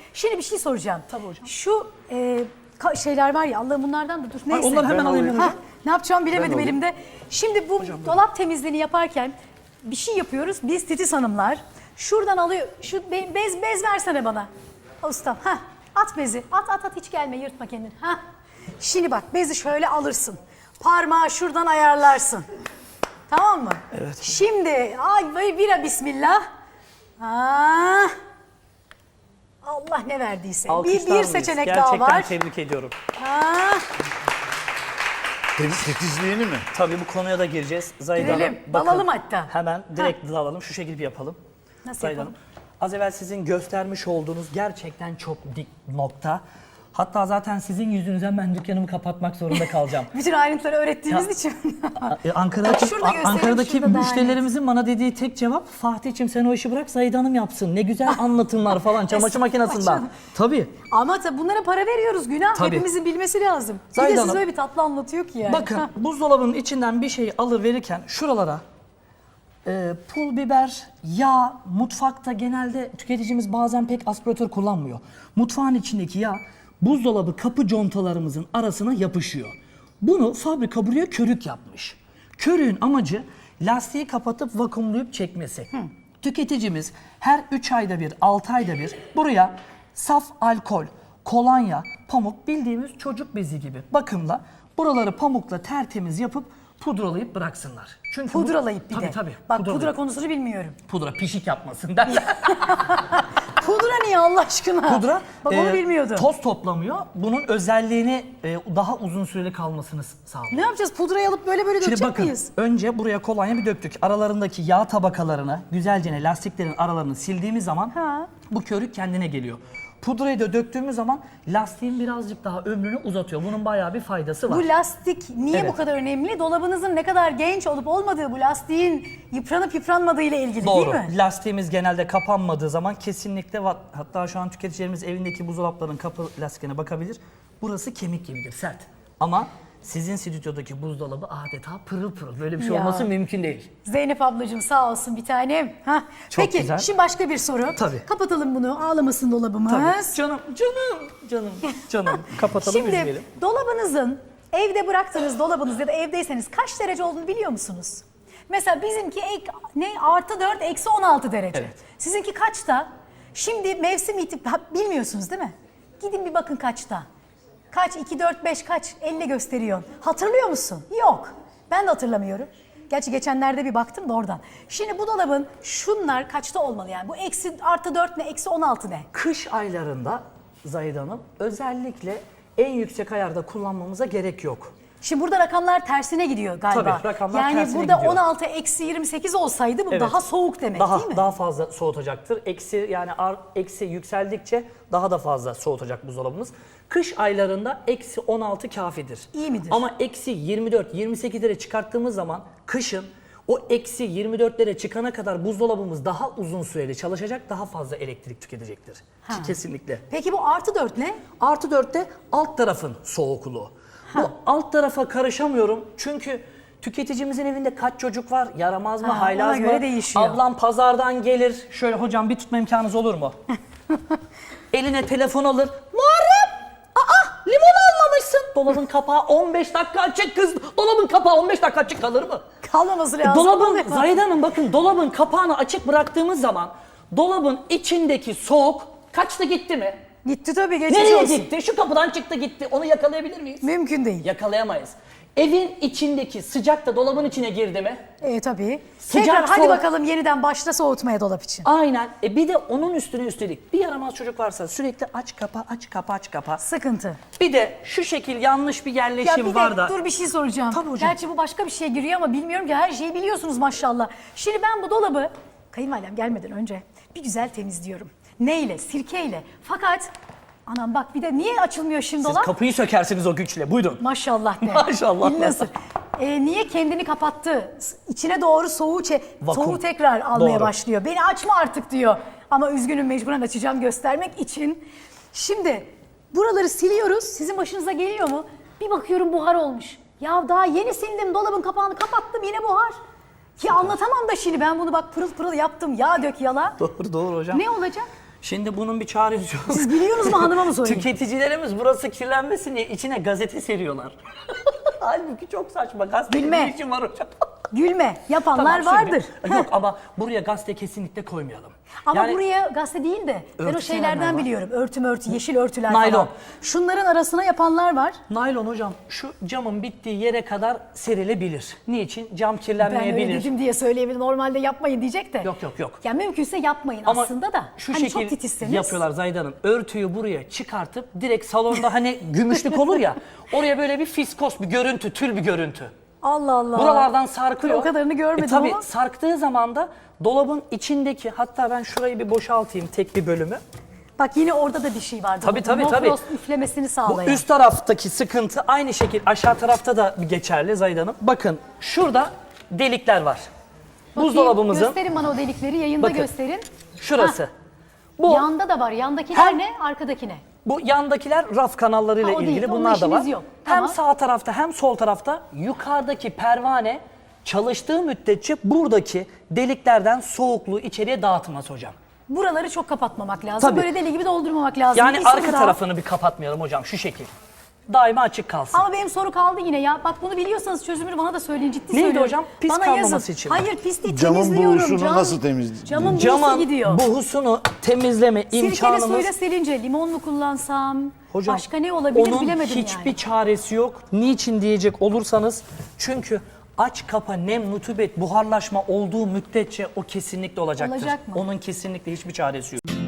Şimdi bir şey soracağım. Tabii hocam. Şu şeyler var ya, Allah'ım bunlardan da dur. Neyse. onları hemen alayım ben hocam. Ne yapacağımı bilemedim alayım. elimde. Şimdi bu dolap temizliğini yaparken bir şey yapıyoruz. Biz titiz hanımlar. Şuradan alıyor. Şu bez versene bana. Ustam. Hah. At bezi. At hiç gelme, yırtma kendini. Hah. Şimdi bak, bezi şöyle alırsın. Parmağı şuradan ayarlarsın. Tamam mı? Evet. Şimdi ay bira bismillah. Ah. Allah ne verdiyse. Bir seçenek daha var. Gerçekten tebrik ediyorum. Ah. Titizliğini mi? Tabii bu konuya da gireceğiz. Zahide Hanım, Girelim, bakın, dalalım hatta. Hemen direkt dalalım. Şu şekilde bir yapalım. Nasıl Zahide yapalım? Hanım, az evvel sizin göstermiş olduğunuz gerçekten çok dik nokta. Hatta zaten sizin yüzünüzden ben dükkanımı kapatmak zorunda kalacağım. Bütün ayrıntıları öğrettiğimiz Ya, için. Ankara'daki, Şurada gösterelim, Ankara'daki şurada daha müşterilerimizin bana dediği tek cevap, Fatih'ciğim sen o işi bırak Zahide Hanım yapsın. Ne güzel anlatımlar falan çamaşır makinesinden. canım. Tabii. Ama tabii bunlara para veriyoruz, günah. Tabii. Hepimizin bilmesi lazım. Bir Zahide de siz Hanım, öyle bir tatlı anlatıyor ki yani. Bakın Hah. buzdolabının içinden bir şeyi alıverirken şuralara pul biber, yağ, mutfakta genelde tüketicimiz bazen pek aspiratör kullanmıyor. Mutfağın içindeki yağ buzdolabı kapı contalarımızın arasına yapışıyor. Bunu fabrika buraya körük yapmış. Körüğün amacı lastiği kapatıp vakumlayıp çekmesi. Tüketicimiz her 3 ayda bir, 6 ayda bir buraya saf alkol, kolonya, pamuk, bildiğimiz çocuk bezi gibi bakımla buraları pamukla tertemiz yapıp pudralayıp bıraksınlar. Çünkü Pudralayıp bir de. Tabii. Bak pudralayıp. pudra konusunu bilmiyorum. Pudra pişik yapmasın derler. Pudra niye Allah aşkına? Pudra Bak onu bilmiyordum. toz toplamıyor. Bunun özelliğini daha uzun süreli kalmasını sağlıyor. Ne yapacağız? Pudrayı alıp böyle Şimdi dökecek bakın, miyiz? önce buraya kolonya bir döktük. Aralarındaki yağ tabakalarını, güzelce lastiklerin aralarını sildiğimiz zaman Ha. bu körük kendine geliyor. Pudrayı da döktüğümüz zaman lastiğin birazcık daha ömrünü uzatıyor. Bunun bayağı bir faydası var. Bu lastik niye Evet. bu kadar önemli? Dolabınızın ne kadar genç olup olmadığı, bu lastiğin yıpranıp yıpranmadığı ile ilgili Doğru. değil mi? Lastiğimiz genelde kapanmadığı zaman kesinlikle hatta şu an tüketicilerimiz evindeki buzdolaplarının kapı lastiklerine bakabilir. Burası kemik gibidir, sert. Ama sizin stüdyodaki buzdolabı adeta pırıl pırıl. Böyle bir şey Ya. olması mümkün değil. Zeynep ablacığım sağ olsun bir tanem. Hah. Çok Peki güzel. şimdi başka bir soru. Tabii. Kapatalım bunu, ağlamasın dolabımız. Tabii. Canım. Kapatalım, Şimdi üzmeyelim. dolabınızın, evde bıraktığınız dolabınız ya da evdeyseniz kaç derece olduğunu biliyor musunuz? Mesela bizimki artı 4, eksi 16 derece. Evet. Sizinki kaçta? Şimdi mevsim bilmiyorsunuz değil mi? Gidin bir bakın kaçta. Kaç? 2, 4, 5 kaç? 50 gösteriyor. Hatırlıyor musun? Yok. Ben de hatırlamıyorum. Gerçi geçenlerde bir baktım da oradan. Şimdi bu dolabın şunlar kaçta olmalı yani? Bu eksi artı 4 ne? Eksi 16 ne? Kış aylarında Zahide Hanım özellikle en yüksek ayarda kullanmamıza gerek yok. Şimdi burada rakamlar tersine gidiyor galiba. Tabii, rakamlar yani tersine burada gidiyor. 16 eksi 28 olsaydı bu Evet. daha soğuk demek değil mi? Daha fazla soğutacaktır. Eksi yükseldikçe daha da fazla soğutacak buzdolabımız. Kış aylarında eksi 16 kafidir. İyi midir? Ama eksi 24-28'lere çıkarttığımız zaman kışın o eksi 24'lere çıkana kadar buzdolabımız daha uzun süreli çalışacak, daha fazla elektrik tüketecektir. Ha. Kesinlikle. Peki bu artı 4 ne? Artı 4'te alt tarafın soğukluğu. Bu alt tarafa karışamıyorum çünkü tüketicimizin evinde kaç çocuk var, yaramaz mı, Ha, haylaz ona mı? göre değişiyor. Ablam pazardan gelir, şöyle hocam bir tutma imkanınız olur mu? Eline telefon alır, Muharrem! Limon almamışsın. Dolabın kapağı 15 dakika açık kız. Dolabın kapağı 15 dakika açık kalır mı? Kalmaması lazım. Dolabın, Zahide Hanım bakın dolabın kapağını açık bıraktığımız zaman dolabın içindeki soğuk kaçtı gitti mi? Gitti tabii, geçmiş Nereye olsun. gitti? Şu kapıdan çıktı gitti. Onu yakalayabilir miyiz? Mümkün değil. Yakalayamayız. Evin içindeki sıcak da dolabın içine girdi mi? Tabii. Sıcak, Tekrar hadi soğuk. bakalım yeniden başla soğutmaya dolap için. Aynen. Bir de onun üstüne üstelik bir yaramaz çocuk varsa sürekli aç kapa aç kapa aç kapa. Sıkıntı. Bir de şu şekil yanlış bir Ya yerleşim bir var de da. dur bir şey soracağım. Tabii hocam. Gerçi bu başka bir şeye giriyor ama bilmiyorum ki, her şeyi biliyorsunuz maşallah. Şimdi ben bu dolabı kayınvalidem gelmeden önce bir güzel temizliyorum. Neyle? Sirkeyle. Fakat anam bak bir de niye açılmıyor şimdi Siz dolap? kapıyı sökersiniz o güçle. Buyurun. Maşallah de. Maşallah. Dilini ısır. Niye kendini kapattı? İçine doğru Vakum. soğuğu tekrar almaya Doğru. başlıyor. Beni açma artık diyor. Ama üzgünüm, mecburen açacağım göstermek için. Şimdi buraları siliyoruz. Sizin başınıza geliyor mu? Bir bakıyorum buhar olmuş. Ya daha yeni sildim, dolabın kapağını kapattım, yine buhar. Ya anlatamam da şimdi ben bunu bak pırıl pırıl yaptım. Yağ dök yala. Doğru hocam. Ne olacak? Şimdi bunun bir çaresi yok. Siz biliyorsunuz mu, hanıma mı sorayım? Tüketicilerimiz burası kirlenmesin diye içine gazete seriyorlar. Halbuki çok saçma. Gazete Bilme. ne işin var hocam? Gülme. Yapanlar Tamam, şimdi- vardır. Yok ama buraya gazete kesinlikle koymayalım. Ama Yani buraya gazete değil de ben o örtü sevenler şeylerden var. biliyorum. Örtü, yeşil örtüler Naylon. falan. Şunların arasına yapanlar var. naylon hocam şu camın bittiği yere kadar serilebilir. Niçin? Cam Ben kirlenmeyebilir. öyle dedim diye söyleyebilirim. Normalde yapmayın diyecek de. Yok. Ya mümkünse yapmayın Ama aslında da. şu Hani çok şekil titizseniz. yapıyorlar Zahide Hanım. Örtüyü buraya çıkartıp direkt salonda hani gümüşlük olur ya. Oraya böyle bir fiskos bir görüntü, tül bir görüntü. Allah Allah. Buralardan sarkıyor. O kadarını görmedim tabii ama. sarktığı zaman da dolabın içindeki, hatta ben şurayı bir boşaltayım tek bir bölümü. Bak yine orada da bir şey vardı. Tabii. No frost üflemesini Bu sağlayan. üst taraftaki sıkıntı aynı şekil aşağı tarafta da geçerli Zahide Hanım. Bakın şurada delikler var. Bakayım, Buzdolabımızın gösterin bana o delikleri, yayında Bakın. gösterin. şurası. Hah, Bu Yanda da var. Yandakiler Hem- ne? Arkadaki ne? Bu yandakiler raf kanallarıyla Ha, o değil, ilgili, onunla bunlar da var. işiniz yok. Hem Tamam. sağ tarafta hem sol tarafta yukarıdaki pervane çalıştığı müddetçe buradaki deliklerden soğukluğu içeriye dağıtmaz hocam. Buraları çok kapatmamak lazım. Tabii. Böyle deli gibi doldurmamak lazım. Yani Bir soru arka daha. tarafını bir kapatmayalım hocam şu şekil. Daima açık kalsın. Ama benim soru kaldı yine ya. Bak bunu biliyorsanız çözümünü bana da söyleyin. Ciddi Neydi söylüyorum. hocam? Pis bana kalmaması yazın. için mi? Hayır pis değil, Camın temizliyorum. buhusunu nasıl temizleyeceğiz? Camın buhusu Camın gidiyor. buhusunu temizleme Sirkeli imkanımız... suyla silince limon mu kullansam? Hocam, Başka ne olabilir onun bilemedim hiçbir yani. çaresi yok. Niçin diyecek olursanız, çünkü aç kapa nem, nutubet, buharlaşma olduğu müddetçe o kesinlikle olacaktır. Olacak mı? Onun kesinlikle hiçbir çaresi yok.